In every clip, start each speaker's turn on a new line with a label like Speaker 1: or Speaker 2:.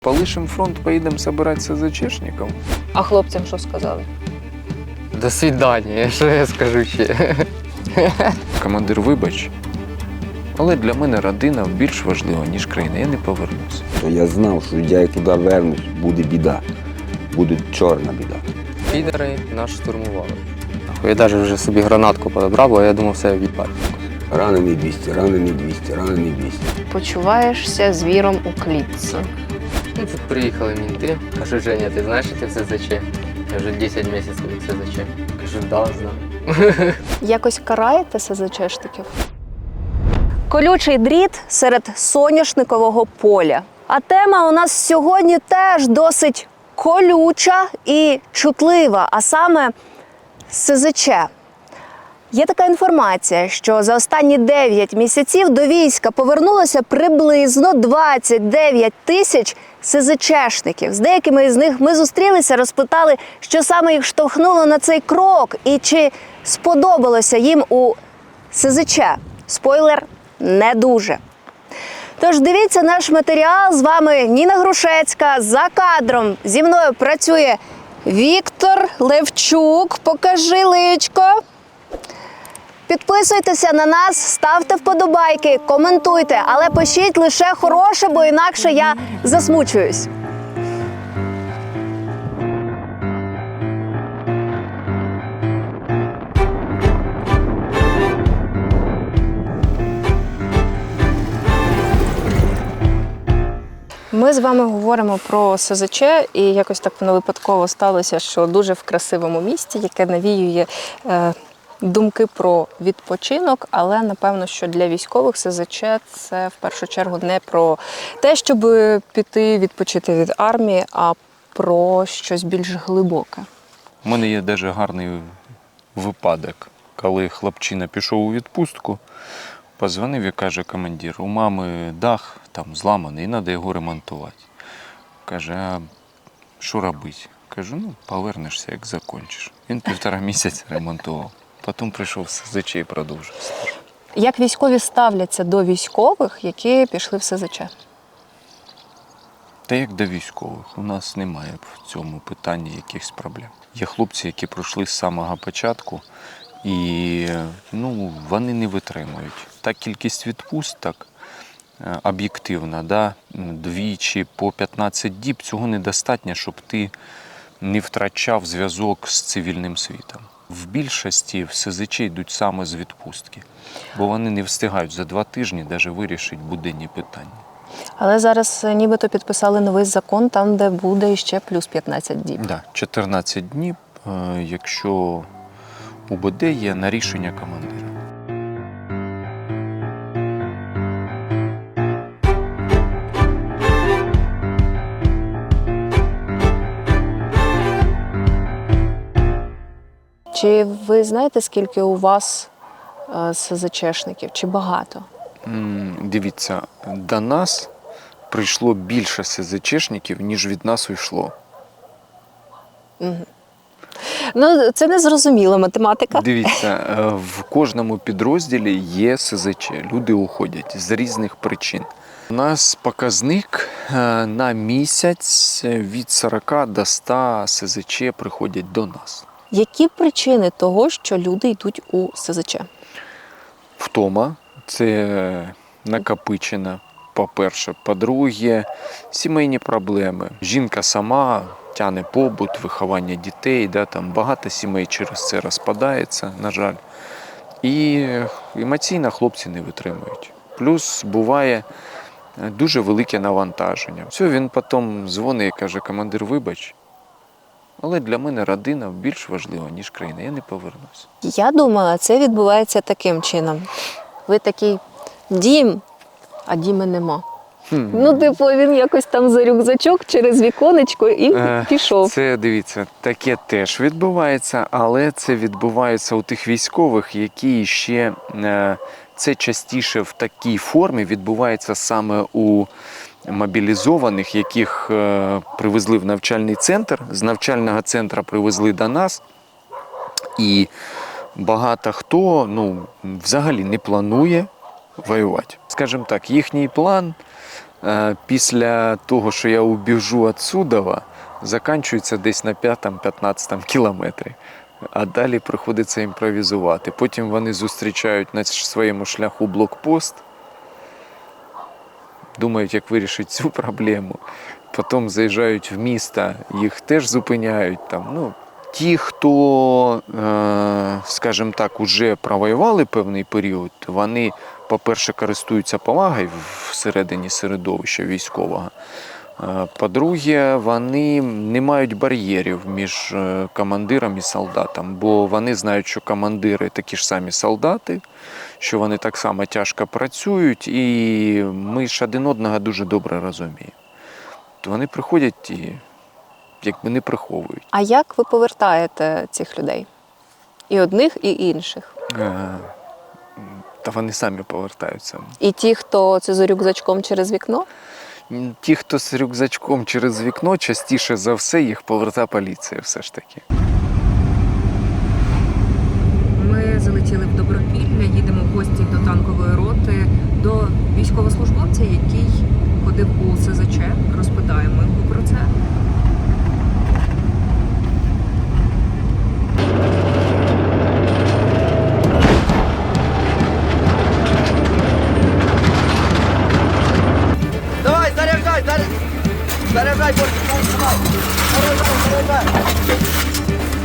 Speaker 1: Полишим фронт, поїдемо збирати СЗЧшників.
Speaker 2: А хлопцям що сказали?
Speaker 3: До свидання, що я скажу ще.
Speaker 1: Командир, вибач, але для мене родина більш важлива, ніж країна. Я не повернуся.
Speaker 4: Я знав, що я туди вернусь, буде біда. Буде чорна біда.
Speaker 3: Підери нас штурмували. Я навіть вже собі гранатку подобрав, бо я думав, все відпад.
Speaker 4: Ранений 200, ранений 200, ранений 200.
Speaker 2: Почуваєшся звіром у клітці.
Speaker 3: Ну, тут приїхали мінти. Кажуть, Женя, ти знаєш, що ти в СЗЧ? Я вже 10 місяців в СЗЧ. Кажу, да, знаю.
Speaker 2: Якось караєте СЗЧшників? Колючий дріт серед соняшникового поля. А тема у нас сьогодні теж досить колюча і чутлива, а саме СЗЧ. Є така інформація, що за останні 9 місяців до війська повернулося приблизно 29 тисяч СЗЧшників. З деякими з них ми зустрілися, розпитали, що саме їх штовхнуло на цей крок і чи сподобалося їм у СЗЧ. Спойлер – не дуже. Тож дивіться наш матеріал. З вами Ніна Грушецька. За кадром зі мною працює Віктор Левчук. Покажи личко. Підписуйтеся на нас, ставте вподобайки, коментуйте, але пишіть лише хороше, бо інакше я засмучуюсь. Ми з вами говоримо про СЗЧ, і якось так воно випадково сталося, що дуже в красивому місті, яке навіює думки про відпочинок, але напевно, що для військових СЗЧ це в першу чергу не про те, щоб піти відпочити від армії, а про щось більш глибоке.
Speaker 1: У мене є навіть гарний випадок, коли хлопчина пішов у відпустку, позвонив і каже: командир, у мами дах там зламаний, і треба його ремонтувати. Каже, а що робити? Кажу, ну повернешся, як закінчиш. Він 1,5 місяця ремонтував. Потім прийшов в СЗЧ і продовжив службу.
Speaker 2: Як військові ставляться до військових, які пішли в СЗЧ?
Speaker 1: Та як до військових, у нас немає в цьому питанні якихось проблем. Є хлопці, які пройшли з самого початку, і вони не витримують. Та кількість відпусток об'єктивна, да, двічі по 15 діб, цього недостатньо, щоб ти не втрачав зв'язок з цивільним світом. В більшості в СЗЧ йдуть саме з відпустки, бо вони не встигають за 2 тижні навіть вирішити буденні питання.
Speaker 2: Але зараз нібито підписали новий закон, там де буде ще плюс 15 діб.
Speaker 1: Да, 14 днів, якщо УБД є на рішення командира.
Speaker 2: Чи ви знаєте, скільки у вас СЗЧшників? Чи багато?
Speaker 1: Дивіться, до нас прийшло більше СЗЧшників, ніж від нас уйшло.
Speaker 2: Ну, це незрозуміла математика.
Speaker 1: Дивіться, в кожному підрозділі є СЗЧ. Люди уходять з різних причин. У нас показник на місяць від 40 до 100 СЗЧ приходять до нас.
Speaker 2: Які причини того, що люди йдуть у СЗЧ?
Speaker 1: Втома – це накопичена, по-перше. По-друге, сімейні проблеми. Жінка сама тягне побут, виховання дітей. Да, там багато сімей через це розпадається, на жаль. І емоційно хлопці не витримують. Плюс буває дуже велике навантаження. Все, він потім дзвонить і каже: командир, вибач, але для мене родина більш важлива, ніж країна. Я не повернуся.
Speaker 2: Я думала, це відбувається таким чином. Ви такий: дім, а діма нема. Ну, типу, він якось там за рюкзачок через віконечко і пішов.
Speaker 1: Це, дивіться, таке теж відбувається, але це відбувається у тих військових, які ще, це частіше в такій формі відбувається саме у мобілізованих, яких привезли в навчальний центр, з навчального центру привезли до нас, і багато хто взагалі не планує воювати. Скажімо так, їхній план після того, що я убіжу від Судова, закінчується десь на 5-15 кілометрі. А далі приходиться імпровізувати. Потім вони зустрічають на своєму шляху блокпост, думають, як вирішити цю проблему. Потім заїжджають в місто, їх теж зупиняють. Там, ті, хто, скажімо так, уже провоювали певний період, вони, по-перше, користуються повагою всередині середовища військового. По-друге, вони не мають бар'єрів між командиром і солдатом, бо вони знають, що командири такі ж самі солдати, що вони так само тяжко працюють, і ми ж один одного дуже добре розуміємо. То вони приходять і якби не приховують.
Speaker 2: А як ви повертаєте цих людей? І одних, і інших?
Speaker 1: Та вони самі повертаються.
Speaker 2: І ті, хто це з рюкзачком через вікно?
Speaker 1: Ті, хто з рюкзачком через вікно, частіше за все їх повертає поліція все ж таки.
Speaker 2: Ми залетіли в Добропілля, їдемо в гості до танкової роти, до військовослужбовця, який ходив у СЗЧ. Розпитаємо його про це.
Speaker 5: Давай, заряжай, заряжай, больше, давай, заряжай.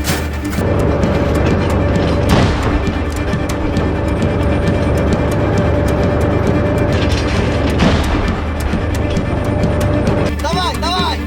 Speaker 5: Давай, давай.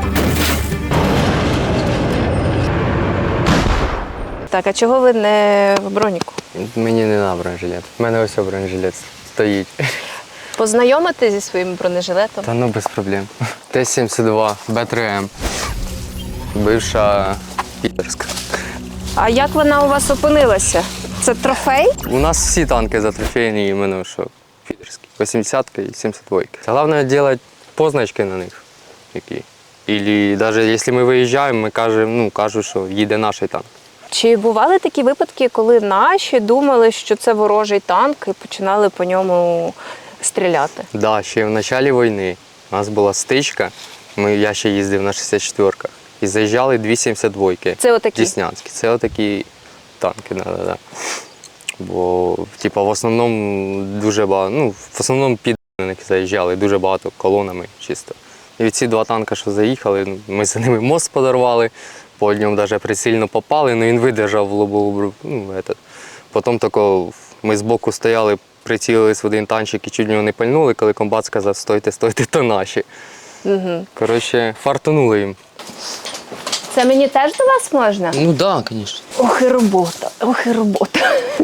Speaker 2: Так, а чого ви не в броніку?
Speaker 3: Мені не треба бронежилет. У мене ось бронежилет стоїть.
Speaker 2: Познайомитись зі своїм бронежилетом?
Speaker 3: Та без проблем. Т-72, Б3М. Бивша підерська.
Speaker 2: А як вона у вас опинилася? Це трофей?
Speaker 3: У нас всі танки затрофейні, іменно що підерські. 80-ка і 72-ка. Головне робити позначки на них. Які. І навіть якщо ми виїжджаємо, ми кажуть, що їде наш танк.
Speaker 2: Чи бували такі випадки, коли наші думали, що це ворожий танк і починали по ньому стріляти?
Speaker 3: Так, да, ще в початку війни у нас була стичка, я ще їздив на 64-ках. І заїжджали 272-ки.
Speaker 2: Це отакі?
Speaker 3: Деснянські. Це отакі танки, да. Бо, в основному дуже багато, в основному під них заїжджали дуже багато колонами чисто. І ці два танки, що заїхали, ми за ними мост подарували, по ньому навіть прицільно попали, але він видержав в лобову. Потім тако ми збоку стояли, прицілились в один танчик і чуть в нього не пальнули, коли комбат сказав, стойте, то наші.
Speaker 2: Угу.
Speaker 3: Коротше, фартанули їм.
Speaker 2: Це мені теж до вас можна?
Speaker 3: Ну так, звісно.
Speaker 2: Ох і робота, ох і робота.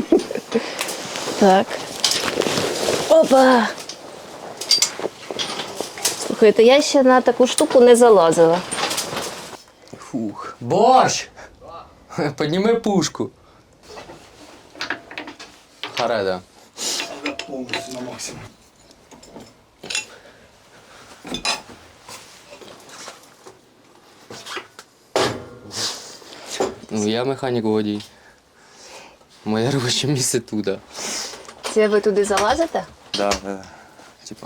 Speaker 2: Так. Опа! Слухайте, я ще на таку штуку не залазила.
Speaker 3: Фух. Борщ! Підніми пушку. Хареда.
Speaker 5: Повністю на максимум.
Speaker 3: Я механік водій. Моє робоче місце туди.
Speaker 2: Це ви туди залазите?
Speaker 3: Да. Типа.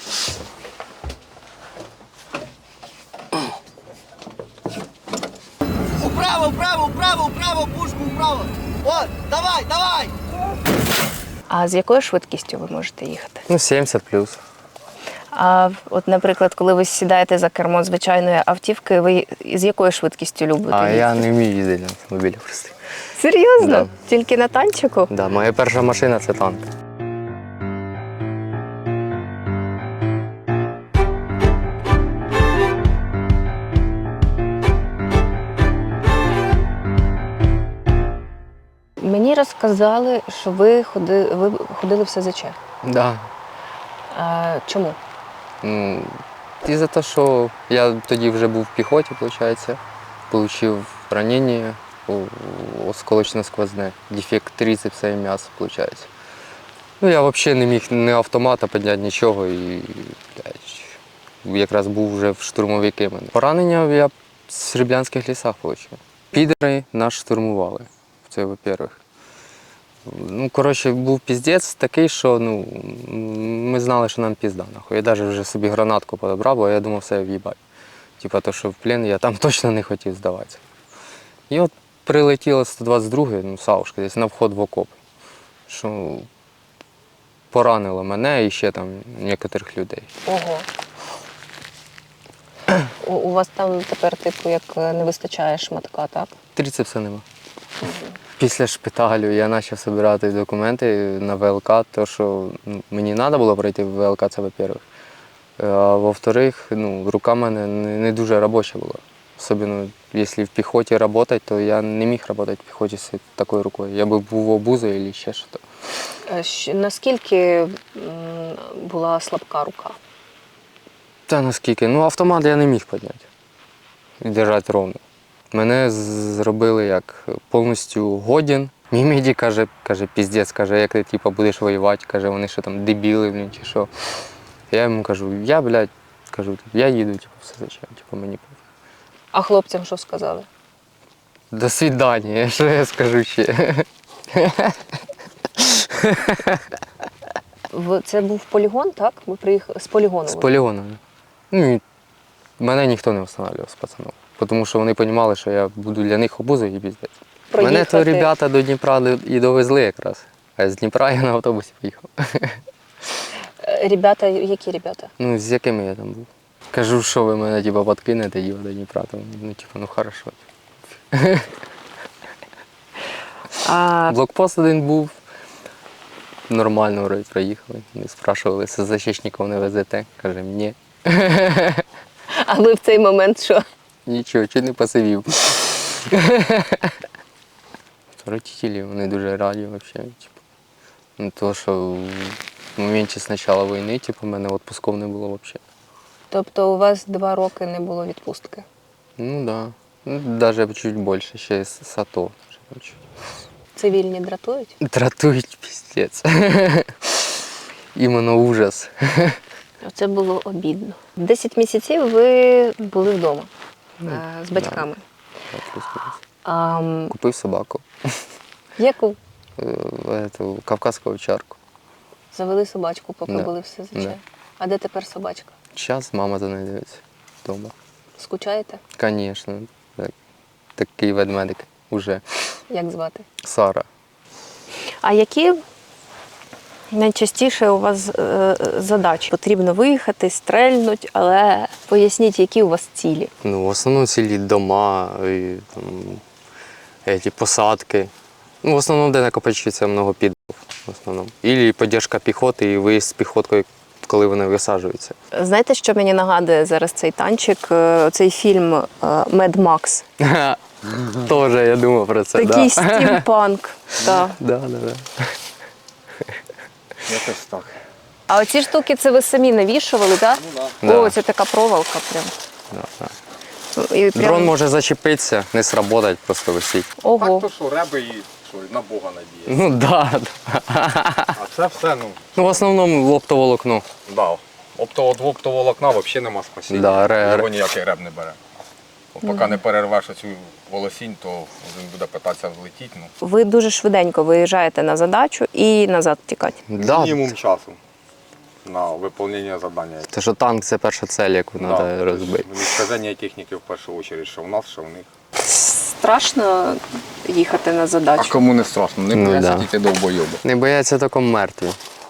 Speaker 5: Вправо, пушку, вправо. От, давай.
Speaker 2: А з якою швидкістю ви можете їхати?
Speaker 3: 70 плюс.
Speaker 2: А от, наприклад, коли ви сідаєте за кермо звичайної автівки, ви з якою швидкістю любите
Speaker 3: А
Speaker 2: їхати?
Speaker 3: я не вмію їздити на автомобілі просто.
Speaker 2: Серйозно?
Speaker 3: Да.
Speaker 2: Тільки на танчику?
Speaker 3: Да, моя перша машина це танк.
Speaker 2: Мені розказали, що ви ходили в СЗЧ.
Speaker 3: Да.
Speaker 2: А, чому?
Speaker 3: І за те, що я тоді вже був в піхоті, виходить, отримав ранення осколочно-сквозне, дефект трицепса і м'яса, виходить. Я взагалі не міг ні автомата підняти, нічого, і якраз був вже в штурмовики. Поранення я в Сріблянських лісах отримав. Підери нас штурмували, це во-первых. Ну, коротше, був піздець такий, що ну, ми знали, що нам пізда. Нахуй. Я навіть вже собі гранатку подобрав, бо я думав, все в'їбать. Типа то, що в плен я там точно не хотів здаватися. І от прилетіло 122-й, ну, Савушка, десь на вход в окоп. Що поранило мене і ще там некоторих людей.
Speaker 2: Ого. У вас там тепер, типу, як не вистачає шматка, так?
Speaker 3: Трицепса нема. Після шпиталю я почав збирати документи на ВЛК, то що ну, мені треба було пройти в ВЛК, це во-первых. А во-вторых, ну, рука в мене не дуже робоча була. Особливо, якщо в піхоті працювати, то я не міг працювати в піхоті з такою рукою. Я би був обузою або ще щось.
Speaker 2: Наскільки була слабка рука?
Speaker 3: Та наскільки? Ну, автомат я не міг підняти і держати ровно. Мене зробили як повністю годен. Мій медик каже, піздець, каже, як ти типу, будеш воювати, каже, вони що там дебіли, блін, чи що. Я йому кажу, я їду, типу, все зачем, типу, мені пофіг.
Speaker 2: А хлопцям що сказали?
Speaker 3: До свидання, що я скажу ще.
Speaker 2: Це був полігон, так? Ви приїхали з полігону?
Speaker 3: З полігону. Ну, і мене ніхто не встановлював з пацанів, тому що вони розуміли, що я буду для них обузою і піздець. Мене то ребята до Дніпра і довезли якраз, а з Дніпра я на автобусі поїхав.
Speaker 2: Ребята, які ребята?
Speaker 3: Ну, з якими я там був. Кажу, що ви мене типу, подкинете його до Дніпра, то, ну, типу, ну хорошо. Блокпост один був, нормально вроді проїхали. Ми спрашували, СЗЧників не везете. Каже, ні.
Speaker 2: А ви в цей момент що?
Speaker 3: Нічого, чи не посивів. Родителі, вони дуже раді взагалі. Типу. Ну, то, що в моменті з початку війни, типу, в мене відпусків не було взагалі.
Speaker 2: Тобто у вас 2 роки не було відпустки?
Speaker 3: Ну так. Да. Ну, навіть чуть більше, ще з АТО.
Speaker 2: Цивільні дратують?
Speaker 3: Дратують піздець. Іменно ужас.
Speaker 2: Це було обідно. 10 місяців ви були вдома з батьками.
Speaker 3: Да, плюс-плюс. Купив собаку.
Speaker 2: Яку?
Speaker 3: Эту кавказську овчарку.
Speaker 2: Завели собачку, поки
Speaker 3: Да.
Speaker 2: були все зачем.
Speaker 3: Да.
Speaker 2: А де тепер собачка?
Speaker 3: Зараз мама за нею дивиться вдома.
Speaker 2: Скучаєте?
Speaker 3: Звісно. Такий ведмедик уже.
Speaker 2: Як звати?
Speaker 3: Сара.
Speaker 2: А які найчастіше у вас задачі? Потрібно виїхати, стрельнуть, але поясніть, які у вас цілі?
Speaker 3: Ну, в основному цілі дома, і, там, посадки. Ну, в основному, де накопичується много підлог. В основному. І підтримка піхоти, і виїзд з піхоткою, коли вони висаджуються.
Speaker 2: Знаєте, що мені нагадує зараз цей танчик? Цей фільм «Мед Макс».
Speaker 3: Тоже я думав про це.
Speaker 2: Такий стімпанк. Так.
Speaker 3: Да.
Speaker 1: Якось так.
Speaker 2: А оці штуки це ви самі навішували, так?
Speaker 3: Да.
Speaker 2: О, це така проволока прям.
Speaker 3: Да.
Speaker 2: І прям...
Speaker 3: Дрон може зачепитися, не сработать, просто висить.
Speaker 2: Ого.
Speaker 1: Так, то що, реби і що, на Бога надіє.
Speaker 3: Ну да.
Speaker 1: А це все,
Speaker 3: Ну, в основному оптоволокно.
Speaker 1: да. Оптоволокна взагалі нема спасіння.
Speaker 3: Да,
Speaker 1: Його ніякий реб не бере. Поки не перервеш оцю волосінь, то він буде питатися влетіти. Ну.
Speaker 2: Ви дуже швиденько виїжджаєте на задачу і назад тікати.
Speaker 3: Да.
Speaker 1: Мінімум часу на виконання завдання.
Speaker 3: Те, що танк це перша цель, яку треба розбити.
Speaker 1: Уничтоження техніки в першу чергу, що в нас, що в них.
Speaker 2: Страшно їхати на задачу?
Speaker 1: кому не страшно? Не
Speaker 3: Ну,
Speaker 1: бояться
Speaker 3: да.
Speaker 1: тільки довбойоби.
Speaker 3: Не бояться тільки мертві.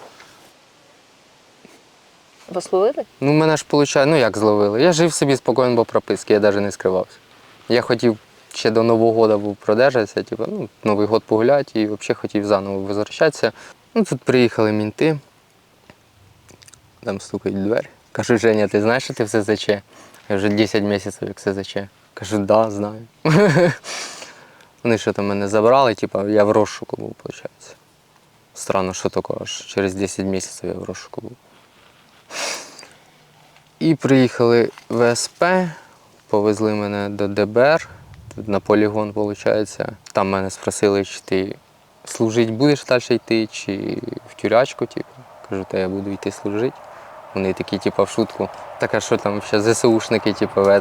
Speaker 2: Вас ловили?
Speaker 3: Ну, мене ж виходить, ну як зловили. Я жив собі спокійно по прописці, я навіть не скривався. Я хотів ще до Нового року був продержатися, типу, ну, Новий год погуляти і взагалі хотів заново возвращатися. Ну, тут приїхали мінти, там стукають в двері. Кажуть, Женя, ти знаєш, що ти в СЗЧ? Я вже 10 місяців як СЗЧ. Кажу, да, знаю. Вони що там мене забрали, типу, я в розшуку був, виходить. Странно, що таке, аж через 10 місяців я в розшуку був. І приїхали в СП, повезли мене до ДБР, на полігон, виходить. Там мене спросили, чи ти служити будеш далі йти, чи в тюрячку, типу. Кажу, та я буду йти служити. Вони такі, типу, в шутку. Так, а що там ще ЗСУшники, типу, в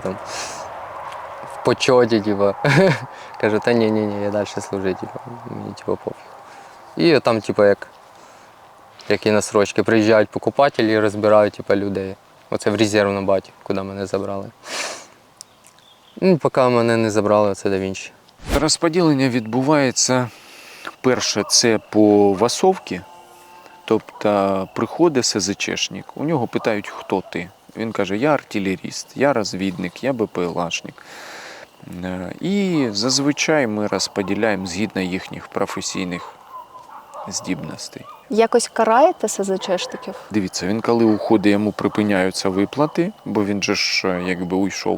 Speaker 3: почоті, типу. Кажу, та ні, я далі служити, типу, мені типу, пофіг. І там, типу, як і на срочки, приїжджають покупателі і розбирають типу, людей. Оце в резервну батю, куди мене забрали. Ну, поки мене не забрали, це до Вінчі.
Speaker 1: Розподілення відбувається перше це по васовці, тобто приходить СЗЧшник, у нього питають, хто ти. Він каже, я артилеріст, я розвідник, я БПЛАшник. І зазвичай ми розподіляємо згідно їхніх професійних здібностей.
Speaker 2: Якось караєте СЗЧшників?
Speaker 1: Дивіться, він коли уходить, йому припиняються виплати, бо він же ж якби уйшов.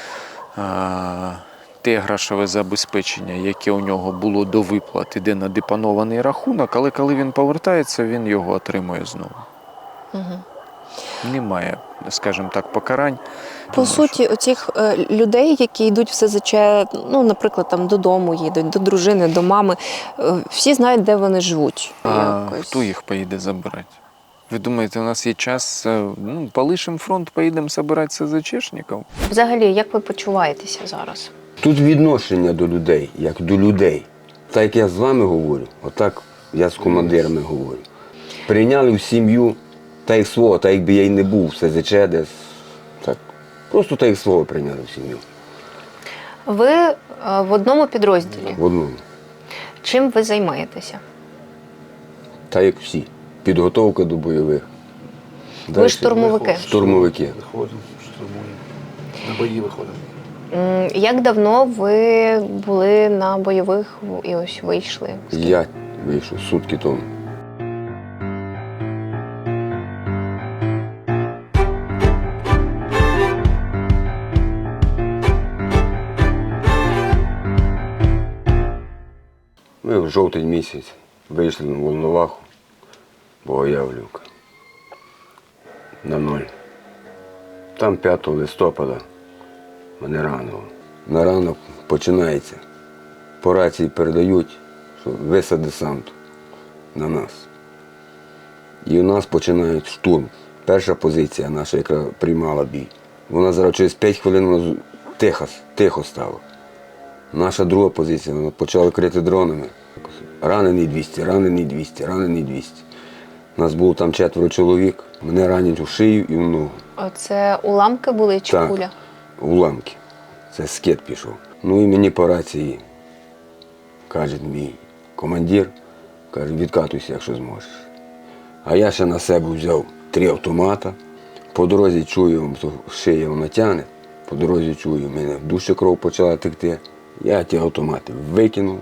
Speaker 1: Те грошове забезпечення, яке у нього було до виплат, іде на депонований рахунок, але коли він повертається, він його отримує знову.
Speaker 2: Угу.
Speaker 1: Немає, скажімо так, покарань.
Speaker 2: По суті, оцих людей, які йдуть в СЗЧ, ну, наприклад, там додому їдуть, до дружини, до мами, всі знають, де вони живуть.
Speaker 1: А
Speaker 2: якось.
Speaker 1: хто їх поїде забирати? Ви думаєте, у нас є час, полишимо фронт, поїдемо забирати СЗЧшників?
Speaker 2: Взагалі, як ви почуваєтеся зараз?
Speaker 4: Тут відношення до людей, як до людей. Так як я з вами говорю, отак я з командирами говорю. Прийняли в сім'ю та як свого, так якби я й не був в СЗЧ десь. Так. Просто так як свого прийняли в сім'ю.
Speaker 2: Ви в одному підрозділі.
Speaker 4: В одному.
Speaker 2: Чим ви займаєтеся?
Speaker 4: Так як всі. Підготовка до бойових.
Speaker 2: Ви
Speaker 4: Дальше
Speaker 2: штурмовики.
Speaker 4: Штурмовики.
Speaker 5: Виходимо, штурмуємо. На бої виходимо.
Speaker 2: Як давно ви були на бойових і ось вийшли?
Speaker 4: Я вийшов сутки тому. Ми в жовтень місяць вийшли на Волноваху, Богоявлівка, на 0. Там 5 листопада мене ранило. На ранок починається. По рації передають, що висад десанту на нас. І у нас починають штурм. Перша позиція наша, яка приймала бій. Вона зараз через 5 хвилин вона тихо стало. Наша друга позиція, вона почала крити дронами. Ранений 200, ранений 200, ранений 200. Нас було там 4 чоловік. Мене ранять у шию і в ногу.
Speaker 2: Оце уламки були чи
Speaker 4: Так.
Speaker 2: куля?
Speaker 4: Уламки. Це скид пішов. Ну і мені по рації каже мій командир, каже, відкатуйся, якщо зможеш. А я ще на себе взяв 3 автомата. По дорозі чую, шия вона тягне. По дорозі чую, в мене в душі кров почала текти. Я ті автомати викинув,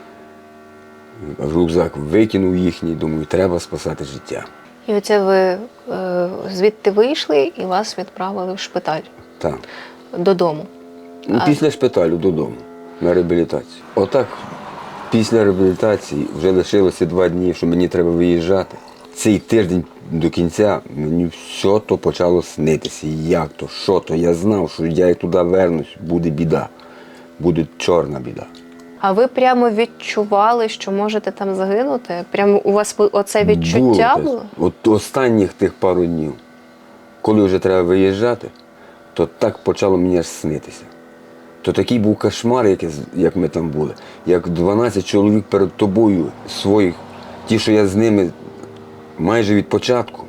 Speaker 4: в рюкзак викинув їхній, думаю, треба спасати життя.
Speaker 2: І оце ви звідти вийшли і вас відправили в шпиталь
Speaker 4: Так.
Speaker 2: додому.
Speaker 4: Ну, після шпиталю додому, на реабілітацію. Отак, після реабілітації вже лишилося 2 дні, що мені треба виїжджати. Цей тиждень до кінця мені все то почало снитися. Як то, що то. Я знав, що я як туди вернусь, буде біда. Буде чорна біда.
Speaker 2: А ви прямо відчували, що можете там загинути? Прямо у вас оце відчуття було?
Speaker 4: От останніх тих пару днів, коли вже треба виїжджати, то так почало мені аж снитися. То такий був кошмар, як ми там були. Як 12 чоловік перед тобою своїх, ті, що я з ними майже від початку,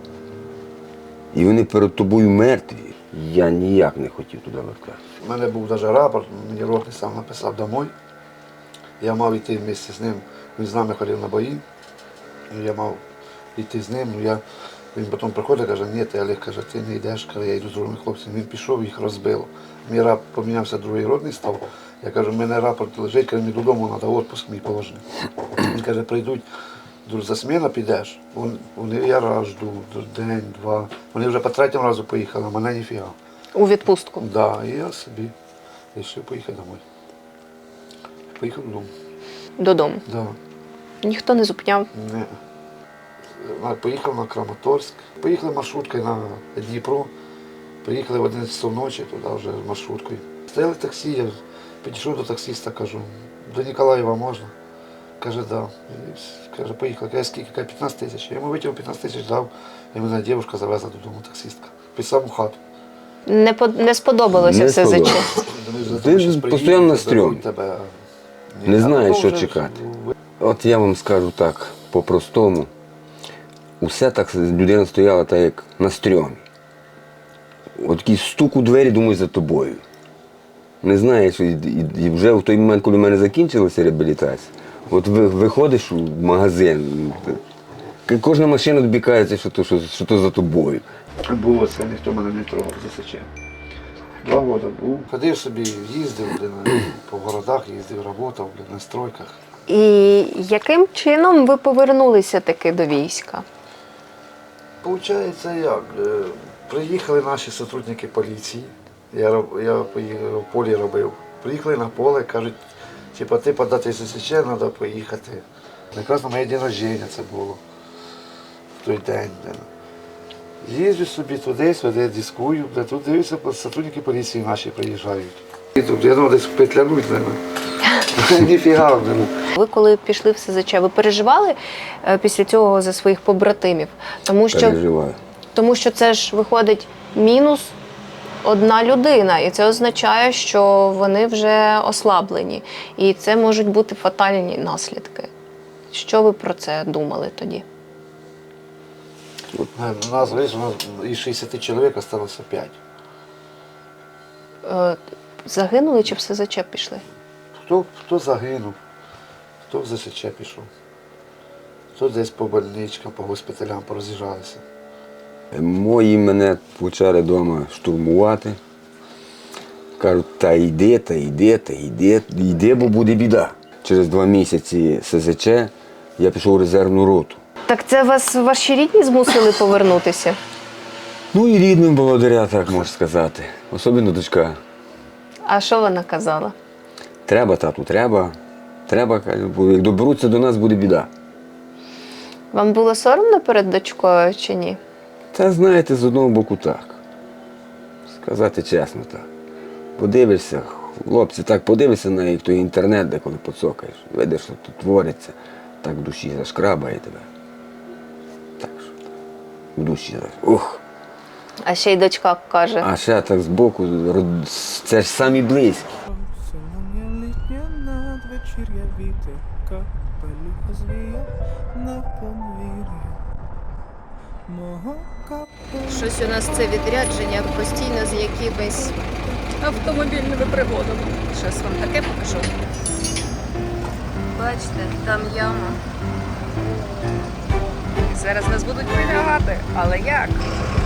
Speaker 4: і вони перед тобою мертві. Я ніяк не хотів туди вертатися.
Speaker 6: У мене був навіть рапорт, мені ротний сам написав домой. Я мав йти вместе з ним, він з нами ходив на бої. Я мав йти з ним. Він потім приходить і каже, ні, ти Олег, каже, ти не йдеш, каже, я йду з другими хлопцями. Він пішов, їх розбило. Мій рап помінявся, другий ротний став. Я кажу, в мене рапорт лежить, каже, мені додому треба, відпуск мій положений. Він каже, прийдуть, за сміна підеш. Вони я раз жду, день, 2. Вони вже по 3-му разу поїхали, а мене ніфіга.
Speaker 2: У відпустку?
Speaker 6: Да, і я собі вирішив поїхати домой. Поїхав додому.
Speaker 2: Додому?
Speaker 6: Да.
Speaker 2: Ніхто не зупиняв?
Speaker 6: Не. Поїхав на Краматорськ. Поїхали маршруткою на Дніпро. Поїхали в 11 часов ночі туди вже маршруткою. Стояли таксі, я підійшов до таксиста, кажу, до Ніколаєва можна? Каже, да. І, каже, поїхали. Каже, скільки? Каже, 15 тисяч. Я йому витягнув 15 тисяч, дав, і мене дівчинка завезла додому, таксистка. Під саму хату.
Speaker 2: Не сподобалося
Speaker 4: Не
Speaker 2: СЗЧ?
Speaker 4: сподобалося. Ти постійно на стрьомі. Не знаю, що чекати. От я вам скажу так, по-простому. Усе так, людина стояла так, як на стрьомі. От такий стук у двері, думаю, за тобою. Не знаєш, і вже в той момент, коли в мене закінчилася реабілітація, от виходиш у магазин, кожна машина тобі кається, що то за тобою.
Speaker 6: Було це, ніхто мене не трогав, засече. 2 роки був. Ходив собі, їздив, по городах їздив, працював на стройках.
Speaker 2: І яким чином ви повернулися таки до війська?
Speaker 6: Получається як? Приїхали наші сотрудники поліції, я поїхав, в полі робив. Приїхали на поле, кажуть, типа, ти подати ССЧ, треба поїхати. Якраз на моє день народження це було в той день. Їжджу собі туди, сюди, дискую, тут дивлюся, сотрудники поліції наші приїжджають. І тут я думав, десь петлянуть мене. Ніфіга.
Speaker 2: Ви коли пішли в СЗЧ, ви переживали після цього за своїх побратимів?
Speaker 4: Переживаю.
Speaker 2: Тому що це ж виходить мінус 1 людина, і це означає, що вони вже ослаблені. І це можуть бути фатальні наслідки. Що ви про це думали тоді?
Speaker 6: У нас, видиш, із 60 чоловік залишилося 5.
Speaker 2: Загинули чи в СЗЧ пішли?
Speaker 6: Хто загинув, хто в ЗСЧ пішов, хто десь по больничкам, по госпіталям пороз'їжджалися.
Speaker 4: Мої мене почали вдома штурмувати. Кажуть, та йди, бо буде біда. Через 2 місяці СЗЧ я пішов у резервну роту.
Speaker 2: Так це вас ваші рідні змусили повернутися?
Speaker 4: Ну і рідним благодаря, так можна сказати. Особливо дочка.
Speaker 2: А що вона казала?
Speaker 4: Треба, тату, треба. Треба, каже, бо як доберуться до нас, буде біда.
Speaker 2: Вам було соромно перед дочкою чи ні?
Speaker 4: Та знаєте, з одного боку так. Сказати чесно так. Подивишся, хлопці, так подивишся на як той інтернет, де коли поцокаєш. Видиш, що тут твориться, так в душі зашкрабає тебе. Так що, в душі. Ух.
Speaker 2: А ще й дочка каже.
Speaker 4: А ще так збоку, це ж самі близькі.
Speaker 7: Сьогодні літня надвечір'я вітер, капелюха звія на подвір'я мого капелюха.
Speaker 2: Щось у нас це відрядження постійно з якимись автомобільними пригодами. Щось вам таке покажу. Бачите, там яма. Зараз нас будуть вилягати, але як?